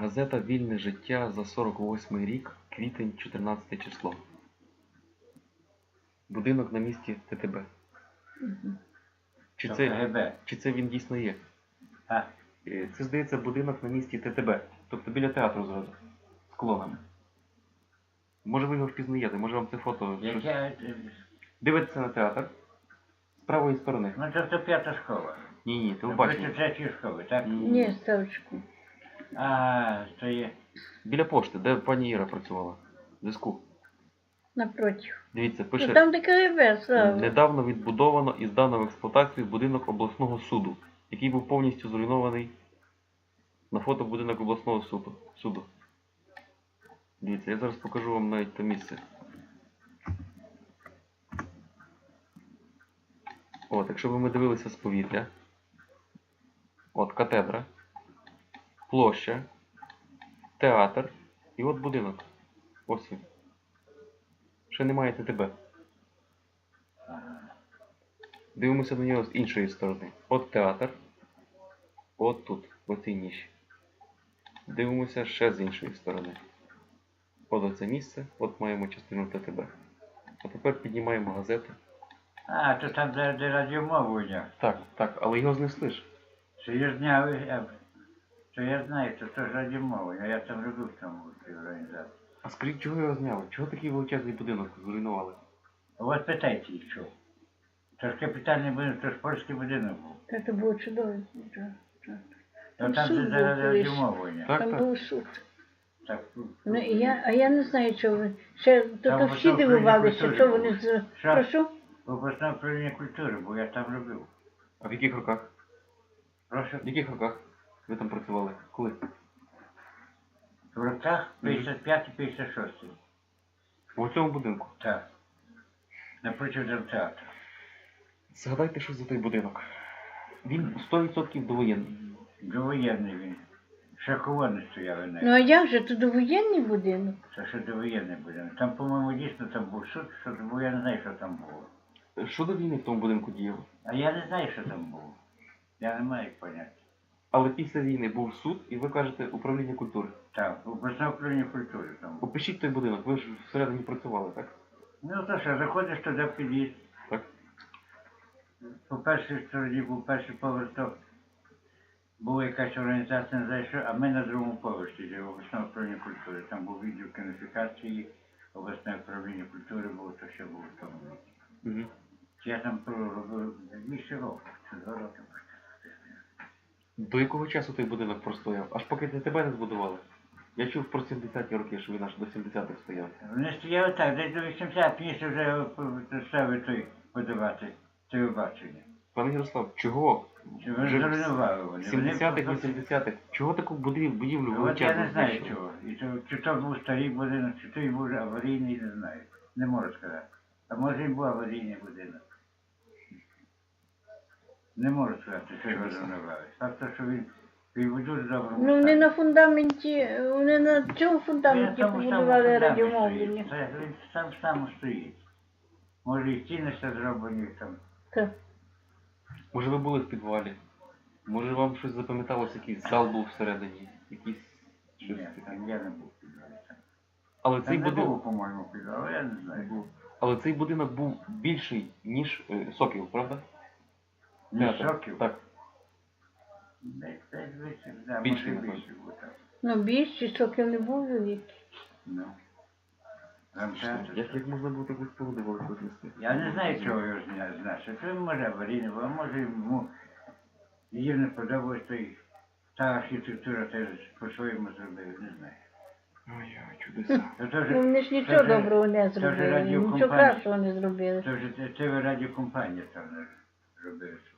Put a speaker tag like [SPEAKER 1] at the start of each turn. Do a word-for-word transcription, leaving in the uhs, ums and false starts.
[SPEAKER 1] Газета «Вільне життя» за сорок восьмий рік, квітень, чотирнадцяте число. Будинок на місці Т Т Б.
[SPEAKER 2] Угу.
[SPEAKER 1] Чи
[SPEAKER 3] То
[SPEAKER 1] це,
[SPEAKER 3] К Г Б.
[SPEAKER 1] чи це він дійсно є?
[SPEAKER 3] А?
[SPEAKER 1] Е, Це, здається, будинок на місці Т Т Б. Тобто біля театру зразу. З колонами. Може ви його впізнаєте, може вам це фото... щось-
[SPEAKER 3] Яке?
[SPEAKER 1] Дивитеся на театр. З правої сторони.
[SPEAKER 3] Ну це то п'ята школа.
[SPEAKER 1] Ні, ні,
[SPEAKER 3] Це
[SPEAKER 1] телебачення.
[SPEAKER 3] третьої школи, так?
[SPEAKER 1] Ні.
[SPEAKER 2] Ні, ставочку.
[SPEAKER 3] А, то є.
[SPEAKER 1] Біля пошти, де пані Іра працювала. В зв'язку.
[SPEAKER 2] Напротив.
[SPEAKER 1] Дивіться,
[SPEAKER 2] Ну,
[SPEAKER 1] пише...
[SPEAKER 2] там де К Г Б, Слава.
[SPEAKER 1] Недавно відбудовано і здано в експлуатацію будинок обласного суду, який був повністю зруйнований. На фото будинок обласного суду. суду. Дивіться, я зараз покажу вам навіть те місце. От, якщо б ми дивилися з повітря. От катедра, площа, театр і от будинок. Ось він. Ще немає Т Т Б. Дивимося на нього з іншої сторони. От театр. От тут, в оцій ніші. Дивимося ще з іншої сторони. От оце місце, от маємо частину Т Т Б. А тепер піднімаємо газету.
[SPEAKER 3] А, то там де, де радіомовлення.
[SPEAKER 1] Так, так, але його знесли ж.
[SPEAKER 3] Що я зняв, я, то я знаю, то це ж радіомовлення. Я там робив в тому в цій організації.
[SPEAKER 1] А скажіть, чого його зняли? Чого такий величезний будинок зруйнували?
[SPEAKER 3] От питайте їх, що. Це ж капітальний будинок, це ж польський будинок був.
[SPEAKER 2] Це було чудово.
[SPEAKER 3] То там
[SPEAKER 2] суд
[SPEAKER 3] де де
[SPEAKER 2] був
[SPEAKER 3] радіомовлення.
[SPEAKER 1] Так,
[SPEAKER 2] Там
[SPEAKER 1] так.
[SPEAKER 2] був суд.
[SPEAKER 3] Так,
[SPEAKER 2] Ну, і я, а я не знаю, що ви. Ще то,
[SPEAKER 3] Там
[SPEAKER 2] то
[SPEAKER 3] в
[SPEAKER 2] всі
[SPEAKER 3] Україні
[SPEAKER 2] дивувалися,
[SPEAKER 3] культури
[SPEAKER 2] що
[SPEAKER 3] було.
[SPEAKER 2] вони з...
[SPEAKER 3] Що?
[SPEAKER 2] Прошу?
[SPEAKER 3] в обласне управління культури, бо я там робив.
[SPEAKER 1] А в яких роках?
[SPEAKER 3] Прошу.
[SPEAKER 1] В яких роках ви там працювали? Коли?
[SPEAKER 3] В роках п'ятдесят п'ятий п'ятдесят шостий.
[SPEAKER 1] У цьому будинку.
[SPEAKER 3] Так. Напротив драмтеатру.
[SPEAKER 1] Згадайте, що за той будинок. Він сто відсотків довоєнний.
[SPEAKER 3] Довоєнний він. Ще колони стояли
[SPEAKER 2] Ну
[SPEAKER 3] на.
[SPEAKER 2] а як же, то довоєнний будинок?
[SPEAKER 3] Це ще довоєнний будинок. Там, по-моєму, дійсно там був суд, що бо я не знаю, що там було.
[SPEAKER 1] Що до війни в тому будинку діяло?
[SPEAKER 3] А я не знаю, що там було. Я не маю поняття.
[SPEAKER 1] Але після війни був суд, і ви кажете управління культури.
[SPEAKER 3] Так, обласне управління культури там було.
[SPEAKER 1] Опишіть той будинок, ви ж всередині працювали, так?
[SPEAKER 3] Ну то що, заходиш туди в під'їзд.
[SPEAKER 1] Так.
[SPEAKER 3] По першій стороні був перший поверх, то була якась організація, не знаю що, а ми на другому поверсі, де обласне управління культури. Там був відділ кінофікації, обласне управління культури було, то ще було в тому відділі.
[SPEAKER 1] Угу.
[SPEAKER 3] Я там проробив більше року, чи два роки.
[SPEAKER 1] До якого часу той будинок простояв? Аж поки Т Т Б не збудували. Я чув про сімдесяті роки, що він аж до сімдесятих стояв.
[SPEAKER 3] Вони стояли так, десь до вісімдесят, пізніше вже стали той подавати, телебачення.
[SPEAKER 1] Пане Ярослав, чого?
[SPEAKER 3] Чи вони
[SPEAKER 1] Вже
[SPEAKER 3] зруйнували вони?
[SPEAKER 1] сімдесятих,
[SPEAKER 3] Вони
[SPEAKER 1] вісімдесятих. Чого таку будівлю, будівлю
[SPEAKER 3] Ну, от я
[SPEAKER 1] величезну
[SPEAKER 3] не знаю
[SPEAKER 1] знищили?
[SPEAKER 3] чого. І то, чи то був старий будинок, чи той був аварійний, не знаю. Не можу сказати. А може і був аварійний будинок. Не можу сказати, що його зруйнували. Факт, що він, він в дуже доброму
[SPEAKER 2] Ну вони
[SPEAKER 3] стані.
[SPEAKER 2] на фундаменті, вони на цьому
[SPEAKER 3] Він
[SPEAKER 2] фундаменті
[SPEAKER 3] там у самому
[SPEAKER 2] побудували
[SPEAKER 3] фундаменті
[SPEAKER 2] радіомовлення.
[SPEAKER 3] стоїть. Це Він сам сам стоїть. Може і стіни ще зроблені там.
[SPEAKER 2] Так.
[SPEAKER 1] Може ви були в підвалі? Може вам щось запам'яталося, якийсь зал був всередині? Якийсь щось
[SPEAKER 3] Ні,
[SPEAKER 1] таке?
[SPEAKER 3] там я не був в підвалі.
[SPEAKER 1] Але цей
[SPEAKER 3] Там не
[SPEAKER 1] будинок...
[SPEAKER 3] було, по-моєму, підвалу, я не знаю.
[SPEAKER 1] Але цей будинок був більший, ніж е, Сокіл, правда?
[SPEAKER 3] Ні,
[SPEAKER 1] Театр.
[SPEAKER 3] Сокіл?
[SPEAKER 1] Так.
[SPEAKER 3] Десь десь більше, да,
[SPEAKER 1] Більше,
[SPEAKER 3] може
[SPEAKER 1] напевно.
[SPEAKER 3] більше буде.
[SPEAKER 2] Ну більшість сокіл не був великий.
[SPEAKER 3] Ну. Драмтеатр.
[SPEAKER 1] Як, як можна було таку споруду велику знести?
[SPEAKER 3] Я не знаю, чого його зня- знати. То він може аварійний, був, а може йому їм не подобалось, то й та архітектура теж по-своєму зробив, не знаю.
[SPEAKER 1] Ой-ой, чудеса.
[SPEAKER 3] То теж,
[SPEAKER 2] Ну вони ж нічого
[SPEAKER 3] це вже-
[SPEAKER 2] доброго не
[SPEAKER 3] це вже
[SPEAKER 2] зробили, нічого
[SPEAKER 3] радіокомпанія.
[SPEAKER 2] кращого не зробили.
[SPEAKER 3] Це вже це- це радіокомпанія там не робила.